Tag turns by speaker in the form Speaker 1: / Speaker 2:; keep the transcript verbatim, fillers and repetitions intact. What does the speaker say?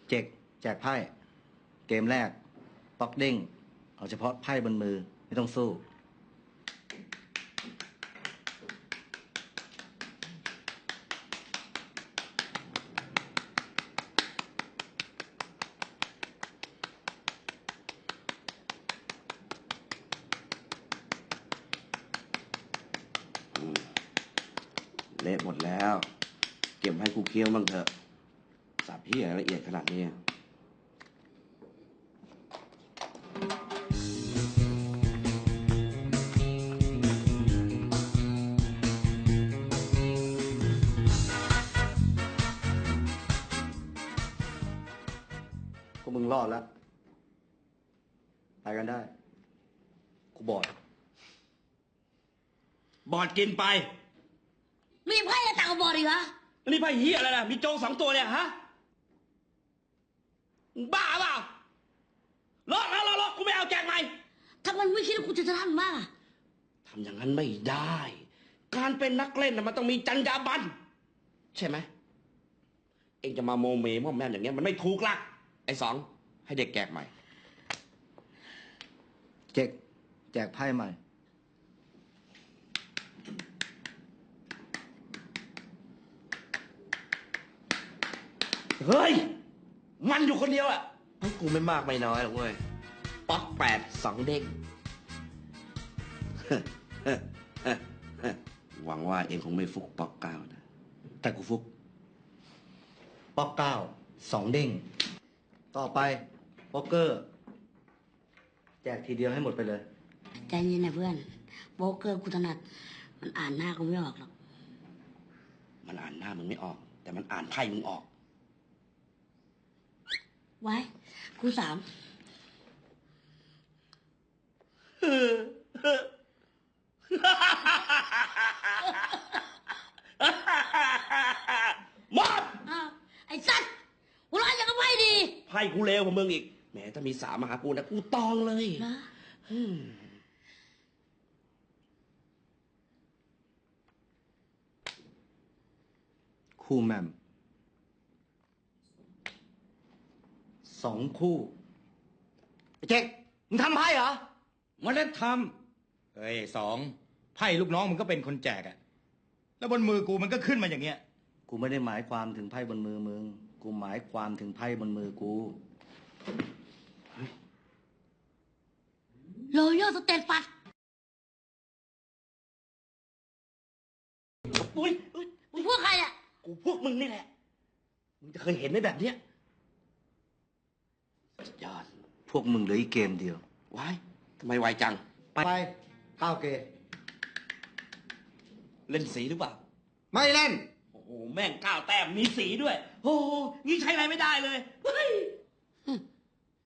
Speaker 1: เจ็กแจกไพ่เกมแรกป๊อกเด้งเอาเฉพาะไพ่บนมือไม่ต้องสู้
Speaker 2: เละหมดแล้วเก็บให้กูเคี้ยวบ้างเถอะสับเหี้ยละเอียดขนาดนี้
Speaker 1: พวกมึงรอดแล้วไปกันได้กูบอด
Speaker 3: บอดกินไป
Speaker 4: มีไพ่ต่างกับบอดอีกเหรอ
Speaker 3: นี่ไพ่เหี้ยอะไรล่ะมีโจงสองตัวเนี่ยฮะบ้าเปล่าลอกแล้วลอกกูไม่เอาแจกใหม่
Speaker 4: ถ้ามันไม่คิดว่ากูจะทำบ้าง
Speaker 3: ทำอย่างนั้นไม่ได้ การเป็นนักเล่นน่ะมันต้องมีจรรยาบรรณใช่ไหมเองจะมาโมเมม่อมแม่มอย่างเงี้ยมันไม่ถูกละไอ้สองให้เด็กแจกใหม่
Speaker 1: เจ็กแจกไพ่ใหม่
Speaker 3: เฮ้ยมันอยู่คนเดียวอะ
Speaker 2: ให้กูไม่มากไม่น้อยหรอกเว้ย
Speaker 3: ป๊อกแปดสองเด้ง
Speaker 2: หวังว่าเองคงไม่ฟุกป๊อกเก้านะ
Speaker 1: แต่กูฟุกป๊อกเก้าสองเด้งต่อไปป๊อกเกอร์แจกทีเดียวให้หมดไปเลย
Speaker 4: ใจเย็นนะเพื่อนโบเกอร์กูถนัดมันอ่านหน้ากูไม่ออกหรอก
Speaker 3: มันอ่านหน้ามึงไม่ออกแต่มันอ่านไพ่มึงออก
Speaker 4: ไว้กูสาม
Speaker 3: มด
Speaker 4: ไอ้สัตว์กูร้อนอย่างกับไพ่ดี
Speaker 3: ไพ่กูเลวกว่ามึงอีกแหมถ้ามีสามมาหากูนะกูตองเลย
Speaker 4: นะ
Speaker 1: คู่แมมสองคู่เจ๊กมึงทำไพ่เหรอ
Speaker 5: มันได้ทำเฮ้ยสองไพ่ลูกน้องมึงก็เป็นคนแจกอะแล้วบนมือกูมันก็ขึ้นมาอย่างเงี้ย
Speaker 1: กูไม่ได้หมายความถึงไพ่บนมือมึงกูหมายความถึงไพ่บนมือกู
Speaker 4: โรโย่สเตตฟัด
Speaker 3: อุ้ย
Speaker 4: มึงพวกใครอ่ะ
Speaker 3: กูพวกมึงนี่แหละมึงจะเคยเห็นไหมแบบเนี้ยยอด
Speaker 1: พวกมึงเหลืออีกเกมเดียว
Speaker 3: ว้ายทำไมไวจัง
Speaker 1: ไปก้าวเก
Speaker 3: เล่นสีหรือเปล่า
Speaker 1: ไม่เล่น
Speaker 3: โอ้โหแม่งก้าวแต้มมีสีด้วยโอ้โหนี่ใช้อะไรไม่ได้เลยเฮ้ย